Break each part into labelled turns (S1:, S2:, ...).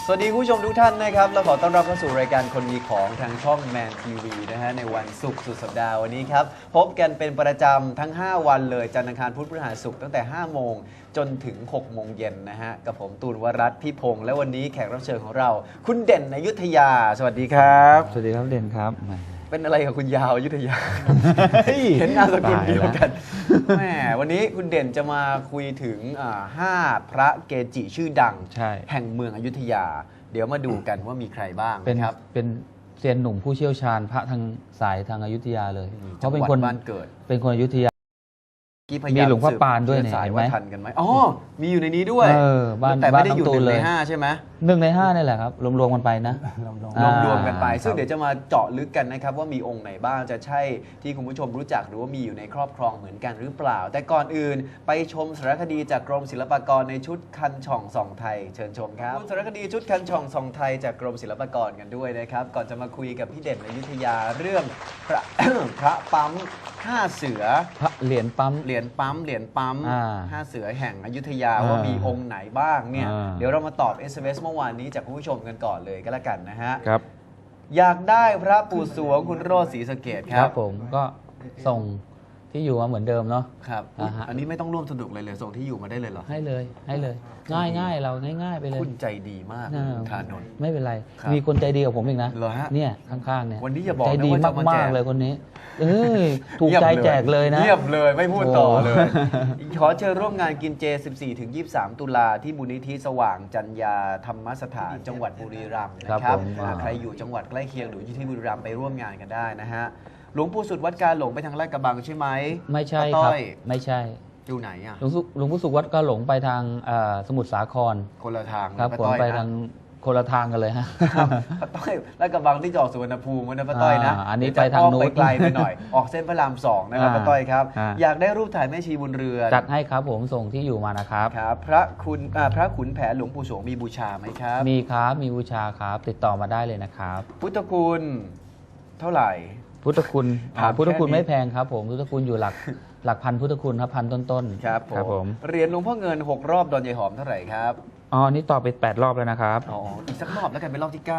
S1: สวัสดีคุณผู้ชมทุกท่านนะครับเราขอต้อนรับเข้าสู่รายการคนมีของทางช่องแมนทีวีนะฮะในวันศุกร์สุดสัปดาห์วันนี้ครับพบกันเป็นประจำทั้ง 5 วันเลยจันทร์อังคารพุธพฤหัสศุกร์ตั้งแต่ 5 โมงจนถึง 6 โมงเย็นนะฮะกับผมตูนวรัตน์พี่พงษ์และวันนี้แขกรับเชิญของเราคุณเด่นอยุธยาสวัสดีครับ
S2: สวัสดีครับเด่นครับ
S1: เป็นอะไรกับคุณยาวอยุธยา เห็นนามสกุลเดียวกันแหมวันนี้คุณเด่นจะมาคุยถึง5 พระเกจิชื่อดังแห่งเมืองอยุธยาเดี๋ยวมาดูกันว่ามีใครบ้างนะครับ
S2: เป็นเซียนหนุ่มผู้เชี่ยวชาญพระทางสายทางอยุธยาเลย
S1: เขาเป็นคนบ้านเกิด
S2: เป็นคนอยุธยามีหลวงพ่อปานด้วยเนี่ยเห็นไหม
S1: ทันกันไหมอ๋อมีอยู่ในนี้ด้วย
S2: บ้าน
S1: แต่ไม่ได้อยู่1 ใน 5ใช่ไหม
S2: 1 ใน 5นี่แหละครับรวมๆกันไปนะ
S1: รวมกันไปซึ่งเดี๋ยวจะมาเจาะลึกกันนะครับว่ามีองค์ไหนบ้างจะใช่ที่คุณผู้ชมรู้จักหรือว่ามีอยู่ในครอบครองเหมือนกันหรือเปล่าแต่ก่อนอื่นไปชมสารคดีจากกรมศิลปากรในชุดคันช่องส่องไทยเชิญชมครับสารคดีชุดคันช่องส่องไทยจากกรมศิลปากรกันด้วยนะครับก่อนจะมาคุยกับพี่เด่นอยุธยาเรื่องพระ พระปั๊ม5 เสือ
S2: พระเหรียญปั๊ม
S1: 5 เสือแห่งอยุธยาว่ามีองค์ไหนบ้างเนี่ยเดี๋ยวเรามาตอบ SMS เมื่อวานนี้จากคุณผู้ชมกันก่อนเลยก็แล้วกันนะฮะ
S2: ครับ
S1: อยากได้พระปู่สวงคุณโรจน์ศรีสะเกษครับ
S2: ผมก็ส่งที่อยู่มาเหมือนเดิมเนาะ
S1: ครับอันนี้ไม่ต้องร่วมสนุกเลยส่งที่อยู่มาได้เลยเหรอ
S2: ให้เลยง่ายเราง่ายๆไปเลย
S1: คุณใจดีมากธานนท์
S2: ไม่เป็นไรมีคนใจดีกับผมอีกนะเนี่ยข้างๆเนี่ย
S1: วันนี้อย่าบอก
S2: ใจดีมากๆเลยคนนี้ถูกใจแจกเลยนะ
S1: เงียบเลยไม่พูดต่อเลยขอเชิญร่วมงานกินเจ 14-23 ตุลาที่มูลนิธิสว่างจัญญาธรรมสถานจังหวัดบุรีรัมย์นะครับใครอยู่จังหวัดใกล้เคียงหรืออยู่ที่บุรีรัมย์ไปร่วมงานกันได้นะฮะหลวงปู่สุดวัดกาหลงไปทางลาดกระบังใช่ไหม
S2: ไม่ใช่ครับไม่ใช่
S1: อยู่ไหนอ่ะ
S2: หลวงปู่สุวัดกาหลงไปทางสมุทรสาคร
S1: คนละทาง
S2: ครับผมไปทางคนละทางกันเลยฮะ
S1: ป้าต้อยลาดกระบังที่จอดสุวรรณภูมินะป้าต้อยนะ
S2: อันนี้ไปทางนู้น
S1: ไปไกลไปหน่อยออกเส้นพระราม 2นะครับป้าต้อยครับอยากได้รูปถ่ายแม่ชีบุญเรือน
S2: จัดให้ครับผมส่งที่อยู่มานะครับ
S1: ครับพระขุนแผนหลวงปู่สวงมีบูชาไหมครับ
S2: มีครับมีบูชาครับติดต่อมาได้เลยนะครับ
S1: พุทธคุณเท่าไหร่
S2: พุทธคุณไม่แพงครับผมพุทธคุณอยู่หลักพันพุทธคุณครับพันต้น
S1: ๆครับผมเหรียญหลวงพ่อเงิน6 รอบดอนยายหอมเท่าไหร่ครับ
S2: นี่ต่อไป8 รอบแล้วนะครับ
S1: อีกสักรอบแล้วกันเป็นรอบที่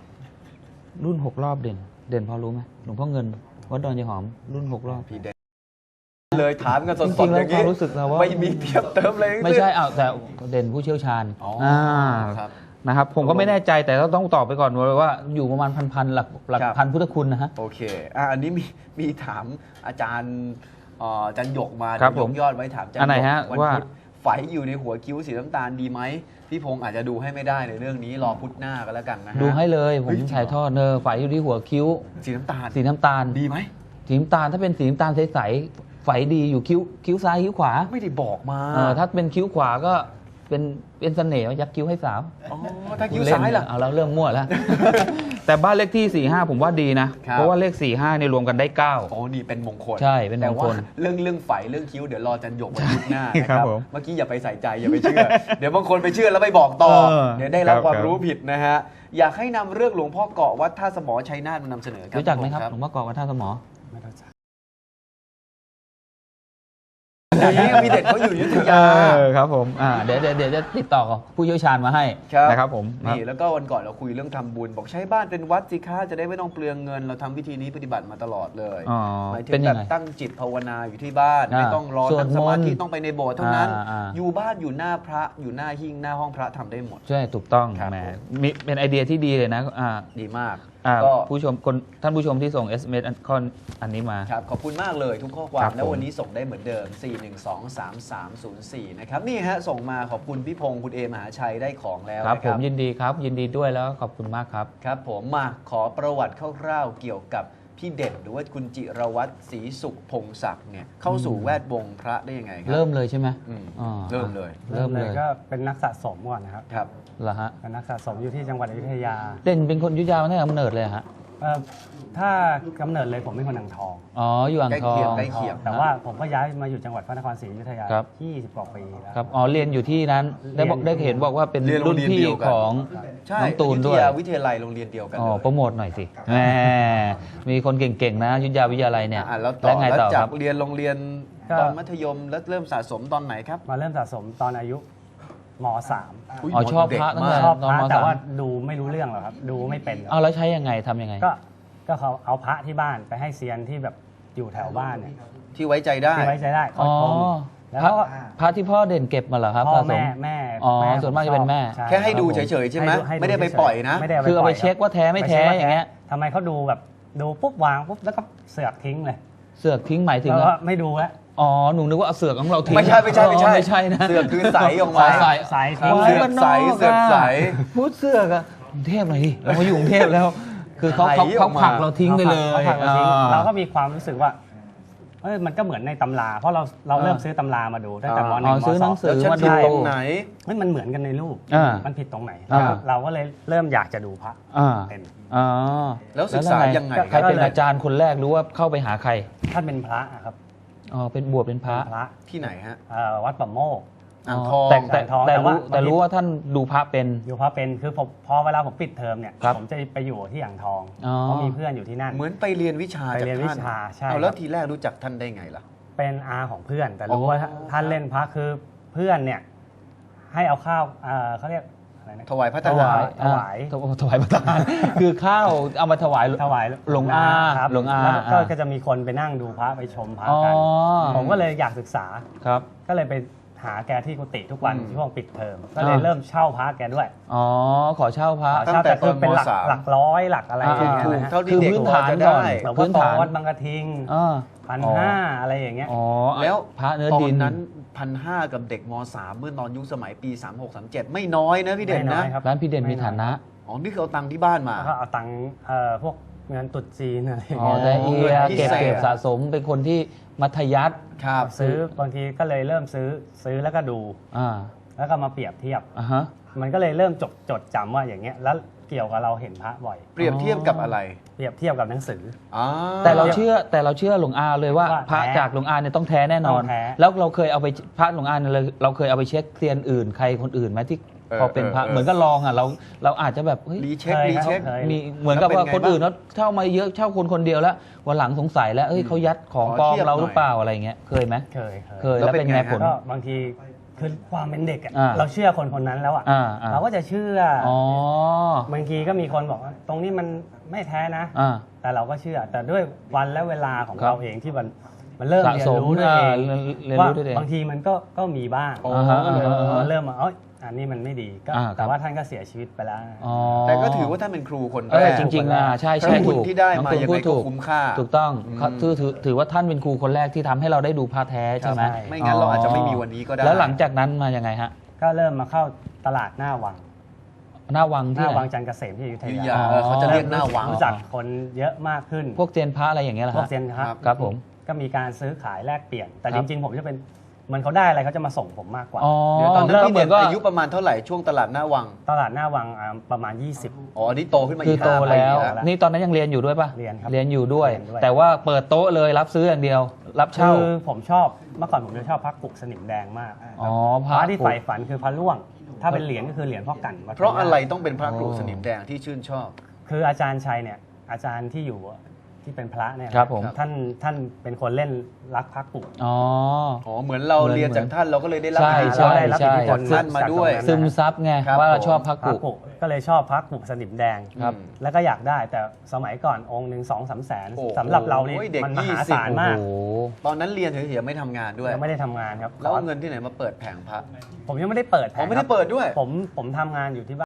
S1: 9
S2: รุ่น6 รอบเด่นพอรู้ไหมหลวงพ่อเงินวัดดอนยายหอมรุ่น6 รอบ
S1: พี่เด่นเลยถามกันสดๆอย่าง
S2: นี้รู้สึกแล้วว่า
S1: ไม่มีเทียบเติมเลย
S2: ไม่ใช่แต่เด่นผู้เชี่ยวชาญนะครับผมก็ไม่แน่ใจแต่ต้องตอบไปก่อนว่าอยู่ประมาณพันหลักพันพุทธคุณนะฮะ
S1: โอเคอันนี้มีถามอาจารย์หยกมายกยอดไว้ถามอาจารย์
S2: หยกว่า
S1: ไฝอยู่ในหัวคิ้วสีน้ำตาลดีไหมพี่พงษ์อาจจะดูให้ไม่ได้ในเรื่องนี้รอพุธหน้าก็แล้วกันนะฮะ
S2: ดูให้เลยผมถ่ายทอดไฝอยู่ที่หัวคิ้ว
S1: สีน้ำตาลดีไหม
S2: สีน้ำตาลถ้าเป็นสีน้ำตาลใสๆไฝดีอยู่คิ้วซ้ายคิ้วขวา
S1: ไม่ได้บอกมา
S2: ถ้าเป็นคิ้วขวาก็เป็นเสน่ห์ยักคิ้วให้สาว
S1: ถ้าคิ้วซ้ายล่ะ
S2: เอาแล้วเริ่มมั่วแล้วแต่บ้านเลขที่45ผมว่าดีนะเพราะว่าเลข45เนี่ยรวมกันได้9
S1: นี่เป็นมงคล
S2: ใช่เป็นมงคล
S1: เรื่องไฝเรื่องคิ้วเดี๋ยวรอจันหยกวันพุธหน้านะครับเมื่อกี้อย่าไปใส่ใจอย่าไปเชื่อเดี๋ยวบางคนไปเชื่อแล้วไปบอกต่อเดี๋ยวได้รับความรู้ผิดนะฮะอยากให้นำเรื่องหลวงพ่อเกาะวัดท่าสมอชัยนาทมานำเสนอครับ
S2: รู้จักไหมครับหลวงพ่อเกาะวัดท่าสมอ
S1: มีเด็กเขาอยู่อยุธยา
S2: ครับผมเดี๋ยวจะติดต่อผู้เชี่ยวชาญมาให้นะครับผม
S1: นี่แล้วก็วันก่อนเราคุยเรื่องทำบุญบอกใช้บ้านเป็นวัดสิคะจะได้ไม่ต้องเปลืองเงินเราทำวิธีนี้ปฏิบัติมาตลอดเลยหมายถึงแบบตั้งจิตภาวนาอยู่ที่บ้านไม่ต้องรอนั่งสมาธิต้องไปในโบสถ์เท่านั้นอยู่บ้านอยู่หน้าพระอยู่หน้าหิ้งหน้าห้องพระทำได้หมด
S2: ใช่ถูกต้องแหมเป็นไอเดียที่ดีเลยนะ
S1: ดีมาก
S2: ก็ท่านผู้ชมที่ส่ง SMS อันนี้มา
S1: ครับขอบคุณมากเลยทุกข้อความและวันนี้ส่งได้เหมือนเดิม4123304นะครับนี่ฮะส่งมาขอบคุณพี่พงษ์คุณเอมหาชัยได้ของแล้ว
S2: ครับผมยินดีครับยินดีด้วยแล้วขอบคุณมากครับ
S1: ครับผมมาขอประวัติคร่าวๆเกี่ยวกับพี่เด่นหรือว่าคุณจิรวัตรศรีสุขพงศักดิ์เนี่ยเข้าสู่แวดวงพระได้ยังไงครับ
S2: เริ่มเลยใช่ไหม
S1: เริ่มเลย
S3: ก็เป็นนักสะสมก่อนนะครับ
S2: เหรอฮะ
S3: เป็นนักสะสมอยู่ที่จังหวัดอยุธยา
S2: เด่นเป็นคนอยุธยาตั้งแต่กำเนิดเลยฮะ
S3: ถ้ากำเนิดเลยผมเป็นคนอ่างทอง
S2: อยู่อ่างทอง
S1: ใกล้เคียง
S3: แต่ว่าผมก็ย้ายมาอยู่จังหวัดพระนครศรีอยุธยา20 กว่าปีแล้ว
S2: ครับเรียนอยู่ที่นั้นได้เห็นบอกว่าเป็นรุ่นพี่ของน้องตูนด้วย
S1: วิทยาลัยโรงเรียนเดียวกัน
S2: โปรโมทหน่อยสิแหมมีคนเก่งๆนะอยุธยาวิทยาลัยเนี่ย
S1: แล้วไงต่อครับเรียนโรงเรียนตอนมัธยมแล้วเริ่มสะสมตอนไหนครับ
S3: มาเริ่มสะสมตอนอายุม
S1: อุ๊ย
S2: อ๋อชอบ
S1: เด็ก
S2: พระตั้ง
S1: มา
S2: แต่
S1: ก
S3: .3 ชอบ
S2: ตอน
S3: พระ
S2: ม
S3: แต่
S2: สาม
S3: ว่าดูไม่รู้เรื่องหรอกครับดูไม่เป็นหรอก
S2: เอาแล้วใช้ยังไงทำยังไง
S3: ก็เขาเอาพระที่บ้านไปให้เซียนที่แบบอยู่แถวบ้านเนี่ย
S1: ที่ไว้ใจได้
S3: ที่ไว้ใจได้ค
S2: อ๋
S3: อ
S2: อย
S3: ชมแล้ว
S2: พระ
S3: ก็
S2: พระที่พ่อเด่นเก็บมาเหรอครับ
S3: พ่อ
S2: สะส
S3: แม่
S2: อ๋อ
S3: แม่
S2: ส่วนมากจะเป็นแม่
S3: ใช่
S1: แค่ให้ดู
S2: ครับผม
S1: เฉยๆใช่ไหม
S3: ให้
S1: ไม่ได้ไป
S3: ฉยๆ
S1: ปล่อยนะ
S3: ม่ด้
S2: คือเอาไป
S3: ล่ย
S2: เช็คว่าแท้ไม่แท้
S3: ปช็คว่
S2: อย่างเงี้ย
S3: ทำไมเขาดูแบบดูปุ๊บวางปุ๊บแล้วก็เสือกทิ้งเลย
S2: เสือกทิ้งหมายถึง
S3: แล้ว
S2: อะ
S3: ก็ไม่ดูแล้ว
S2: อ๋อหนูนึกว่าเอาเสือกของเราทิ้ง
S1: ไม่ใช่ไม่ใช่ไม่ใช่
S2: อ๋อไม่ใช่นะ
S1: เสือกคือใสออกมา
S2: ใส
S3: ใสทิ้ง
S1: เสือกใสเสือกใส
S2: พูดเสือกอะกรุงเทพหน่อยดิเรามาอยู่กรุงเทพแล้ว คือเขา
S1: ไหลออกมา
S2: ผลักเราทิ้งไปเลย
S3: ขาผลักเราทิ้ง
S2: อ่า
S3: เราก็มีความรู้สึกว่ามันก็เหมือนในตำรา เพราะเราเริ่มซื้อตำรามาดูตั้งแต่ม
S1: อ๋อ
S3: หนึ่งม
S2: ซื้อ
S3: ส
S2: หนั
S3: อง
S2: งสื
S1: แล้ว
S2: อ
S1: ฉัน
S2: มา
S1: ผิด
S2: ดู
S1: ตรงไหน
S3: มันเหมือนกันในรูป
S2: อ่ามั
S3: มันผิดตรงไหน
S2: อ่า
S3: เราก็เลยเริ่มอยากจะดูพระ
S2: อ่า
S3: เป็น
S2: อ๋อ
S1: แล้วศึกษายังไง
S2: ใครเป็นอาจารย์คนแรกรู้ว่าเข้าไปหาใคร
S3: ท่านเป็นพระอะครับ
S2: อ๋อเป็นบวชเป็นพระ
S3: เป็นพระ
S1: ที่ไหนฮะ
S3: วัดปะโมก
S1: อ่างทอง
S2: แต่
S3: อ่างทองแต่
S2: แต่
S3: ว่า
S2: แต่รู้ว่าท่านดูพระเป็น
S3: อยู่พระเป็นคือผมพอเวลาผมปิดเทอมเนี่ย
S2: ครับ
S3: ผมจะไปอยู่ที่อ่างทอง
S2: อ๋อ
S3: เพราะมีเพื่อนอยู่ที่นั่น
S1: เหมือนไปเรียนวิชา
S3: ไป
S1: จาก
S3: เรียนวิ
S1: ท่าน
S3: ชาใช่
S1: เอาแล้
S3: คว รับ
S1: ทีแรกรู้จักท่านได้ไงล่ะ
S3: เป็นอาของเพื่อน แต่รู้
S1: อ๋อ
S3: ว่าท่านเล่นพระคือเพื่อนเนี่ยให้เอาข้าวเขาเรียกอะไรนะ
S1: ถวายพระท
S3: ถ
S1: หาร
S3: ถวาย
S2: ถวายพระทหารคือข้าวเอามาถวาย
S3: ถวาย
S2: หลวงอา
S3: ครับ
S2: หลวงอา
S3: แล้วก็จะมีคนไปนั่งดูพระไปชมพระ
S2: อ๋อ
S3: กัน ผมก็เลยอยากศึกษา
S2: ครับ
S3: ก็เลยไปหาแกที่กุฏิทุกวัน
S1: อืม
S3: ช่วงปิดเทอมก็เลยเริ่มเช่าพระแกด้วย
S2: อ๋อขอเช่าพระ
S1: ตั้งแต่
S3: คือเป็นหลัก
S1: ตอนม.3
S3: หลักร้อยหลักอะไรอย่างเงี้ย
S1: ถูก
S3: นะฮะ
S1: เท่าที่
S2: คือ
S1: เด็ก
S2: พื้น
S1: พอ
S2: ฐาน
S1: จะ
S2: ก่อ
S1: ได้
S2: น
S3: หลวงพ่
S2: พื้
S3: อน โต
S2: ฐาน
S3: วัดบางกระทิง
S2: อ่า
S3: 1,500อะไรอย่างเงี้ย
S2: อ๋อ
S1: แล้ว
S2: พระเนื้อ
S1: ตอ
S2: ดิ
S1: น
S2: น
S1: นั้น1,500กับเด็กม .3 เมื่อตอนยุคสมัยปี 36-37 ไม่น้อยนะพี่เด่น
S3: ไม่น้
S1: นะ
S3: อยครับ
S2: ร้านพี่เด่นมีฐานะ
S1: อ๋อ นี่คือเอาตังค์ที่บ้านมา
S3: แล้วก็เอาตังค์พวกเงินตรุษจีนอะไรอย่าง
S2: อ๋อ
S3: เงี้ย
S2: แต่เอีย
S1: พิ
S2: เก็บ
S1: เศษ
S2: เก็บสะสมเป็นคนที่มัธยัสถ์
S1: ครับ
S3: ซื้อบางทีก็เลยเริ่มซื้อแล้วก็ดู
S2: อ่า
S3: แล้วก็มาเปรียบเทียบ
S2: อ่าฮะ
S3: มันก็เลยเริ่มจดจำว่าอย่างเงี้ยแล้วเกี่ยวกับเราเห็นพระบ่อย
S1: เปรียบเทียบกับอะไร
S3: เปรียบเทียบกับหนังสือ
S1: อ่า
S2: แต่เราเชื่อหลวงอาเลยว่า
S3: ว่า
S2: พระ
S3: แท้
S2: จากหลวงอาเนี่ยต้องแท้แน่นอน
S3: ต้องแท้
S2: แล้วเราเคยเอาไปพระหลวงอาเนี่ยเราเคยเอาไปเช็คเซียนอื่นใครคนอื่นไหมที่พอเป็นพระเหมือนก็ลองอ่ะเราอาจจะแบบเฮ้ย
S1: รีเช็ค
S3: เคย
S1: รีเช็ค
S3: ครับ
S2: มีเหมือนกับ
S1: แล้ว
S2: ว่า
S1: เป็นไง
S2: คนอื่น
S1: บ้าง
S2: เขาเช่ามาเยอะเช่าคนเดียวแล้ววันหลังสงสัยแล้วเอ้ยเขายัดของ
S1: ขอ
S2: ปลอม
S1: เทียบ
S2: เรา
S1: หน่อย
S2: หรือเปล่าอะไรเงี้ยเคยไหม
S3: เคย
S2: เคย
S1: แล้
S2: แล้ว
S1: วเป็
S2: เป็น
S1: น
S2: ไง
S1: ไง
S2: ผล
S3: ก็บางทีคือความเป็นเด็กอะ
S2: อ่า
S3: เราเชื่อคนนั้นแล้วอะ
S2: อ่า
S3: เราก็จะเชื่อ
S2: อ๋อบ
S3: างทีก็มีคนบอกว่าตรงนี้มันไม่แท้นะ
S2: อ่า
S3: แต่เราก็เชื่อ แต่ด้วยวันและเวลาของ
S2: ครับ
S3: เราเองที่มันเริ่ม
S2: สะ
S3: เรียน
S2: สม
S3: รู้ด้วยเอง
S2: เรียน
S3: ว่า
S2: รู้ด้วยเอง
S3: บางทีมันก็มีบ้าง
S1: อ๋อ
S2: ฮะ
S3: ก็เลย
S2: อ่าฮะ
S3: เริ่มมาอันนี้มันไม่ดีก็
S2: อ่าครับ
S3: แต่ว่าท่านก็เสียชีวิตไปแล้ว
S2: อ๋อ
S1: แต่ก็ถือว่าท่านเป็นครูคน
S2: เอ
S1: แร
S2: อก จริงๆอ่ะใช่
S1: ถ้า
S2: ใช่
S1: บุญ
S2: ถูก
S1: ที่ได้
S2: น้อง
S1: มา
S2: ตูน
S1: ยัง
S2: พู
S1: ไง
S2: ด
S1: ก็
S2: ถูก
S1: คุ้มค่า
S2: ถูกต้อง
S1: อืม
S2: เขาถือว่าท่านเป็นครูคนแรกที่ทำให้เราได้ดูพระแท้ใช่ไหม
S3: ใช่
S1: ไม่งั้นเราอาจจะไม่มีวันนี้ก็ได้
S2: แล้วหลังจากนั้นมายังไงฮะ
S3: ก็เริ่มมาเข้าตลาดหน้าวัง
S2: หน้าวัง
S3: ห
S2: ที่
S3: น้า
S2: ไหน
S3: วังจันทร์เกษมที่อยุธ
S1: ยุธ
S3: ยาย
S1: าเขาจะเรียกหน้าวัง
S3: รู้จักคนเยอะมากขึ้น
S2: พวกเจยนพระอะไรอย่างเงี้ยเหรอ
S3: พวก
S2: ฮะ
S3: เซียนค
S1: ครั
S3: รับ
S1: บ
S2: ครับผม
S3: ก็มีการซื้อขายแลกเปลี่ยน แต่
S2: ครั
S3: จ
S2: บ
S3: ริงๆผมจะเป็นเหมือนเขาได้อะไรเขาจะมาส่งผมมากกว่า
S2: อ๋อ
S1: เดี๋ยวตอนนั้น
S2: ก็
S1: พี่
S2: เหมื
S1: เด่
S2: อน นก็
S1: อายุประมาณเท่าไหร่ช่วงตลาดหน้าวัง
S3: ตลาดหน้าวังประมาณ 20
S1: อ๋ออันนี้โตขึ้นมา
S2: คื
S1: อี
S2: อก โต
S1: 5 ปี
S2: แล้ว
S3: แล้ว
S2: นี่ตอนนั้นยังเรียนอยู่ด้วยป่ะ
S3: เรียนครับ
S2: เรียนอยู่ด้วย
S3: เรียนด้วย
S2: แต่ว่าเปิดโต๊ะเลยรับซื้ออย่างเดียว รับเช่า
S3: คือผมชอบเมื่อก่อนผมจะชอบพระกุกสนิมแดงมาก
S2: อ๋อ
S3: พ
S2: พ
S3: ระ
S2: ระ
S3: ที่ใฝ่ฝันคือพระร่วง ถ้าเป็นเหรียญก็คือเหรียญพ่อกั่นวัด
S1: เพราะอะไร
S3: พญ
S1: ต้องเป็นพระครูสนิมแดงที่ชื่นชอบ
S3: คืออาจารย์ชัยเนี่ยอาจารย์ที่อยู่ที่เป็นพระเนี่ย
S2: ครับผม
S3: ท่านเป็นคนเล่นรักพระกุก
S2: อ๋อ
S1: อ๋อ เหมือนเรา
S2: เหมือน
S1: เรียนจากท่านเราก็เลยได้รับ
S2: ใช่
S1: อิทธิพ
S2: ใช่
S1: ล
S3: ได้รับอิทธิพล
S1: ท่านมาด้วย
S3: จากตรงนั้น
S2: ซึมซับไง
S1: ครับ
S2: ว่าเรา
S1: ผม
S2: ชอบพระ
S3: พระ
S2: กุ
S3: กุกก็เลยชอบพระกุกสนิมแดง
S2: ครับ
S3: แล้วก็อยากได้แต่สมัยก่อนองค์หนึ่ง2-3 แสน
S1: โอ้โห
S3: สำหรับเรานี่
S1: เด็ก
S3: มันมหา
S1: 20
S3: ศาลมาก
S2: โอ้โห
S1: ตอนนั้นเรียนเฉยๆไม่ทำงานด้วย
S3: ยังไม่ได้ทำงานครับ
S1: แล้วเอาเงินที่ไหนมาเปิดแผงพระ
S3: ผมยังไม่ได้เปิดแผ
S1: อ๋
S3: ง
S1: อไม่
S3: ค
S1: ได้
S3: รับ
S1: เปิดด้วย
S3: ผมทำงานอยู่ที่